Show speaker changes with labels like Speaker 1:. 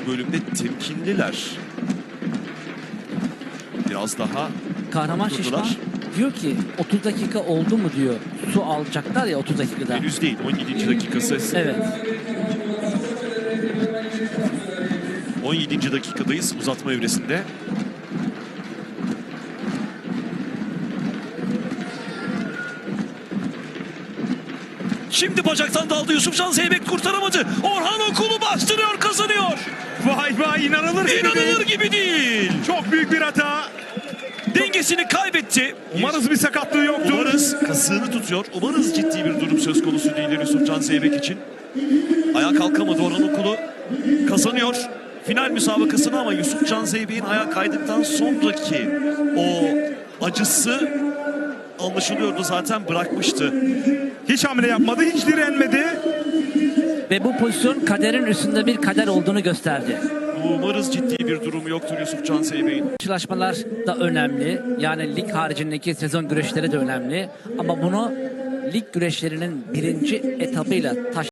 Speaker 1: bölümde temkinliler. Biraz daha
Speaker 2: Kahraman
Speaker 1: durdular.
Speaker 2: Şişman diyor ki 30 dakika oldu mu diyor. Su alacaklar ya 30 dakikada.
Speaker 1: Henüz değil. 17. dakikası.
Speaker 2: Evet.
Speaker 1: 17. dakikadayız uzatma evresinde. Şimdi bacaktan daldı Yusufcan Zeybek, kurtaramadı. Orhan Okulu bastırıyor, kazanıyor.
Speaker 3: Vay vay, inanılır gibi
Speaker 1: İnanılır
Speaker 3: değil.
Speaker 1: gibi değil.
Speaker 3: Çok büyük bir hata.
Speaker 1: Dengesini kaybetti.
Speaker 3: Umarız bir sakatlığı yoktur.
Speaker 1: Umarız kasığını tutuyor. Umarız ciddi bir durum söz konusu değildir Yusufcan Zeybek için. Ayağa kalkamadı Orhan Okulu. Kazanıyor final müsabakasını ama Yusufcan Zeybek'in ayağa kaydıktan sonraki o acısı anlaşılıyordu, zaten bırakmıştı.
Speaker 3: Hiç hamle yapmadı, hiç direnmedi.
Speaker 2: Ve bu pozisyon kaderin üstünde bir kader olduğunu gösterdi.
Speaker 1: Umarız ciddi bir durumu yoktur Yusufcan Zeybek'in.
Speaker 2: Karşılaşmalar da önemli. Yani lig haricindeki sezon güreşleri de önemli. Ama bunu lig güreşlerinin birinci etabıyla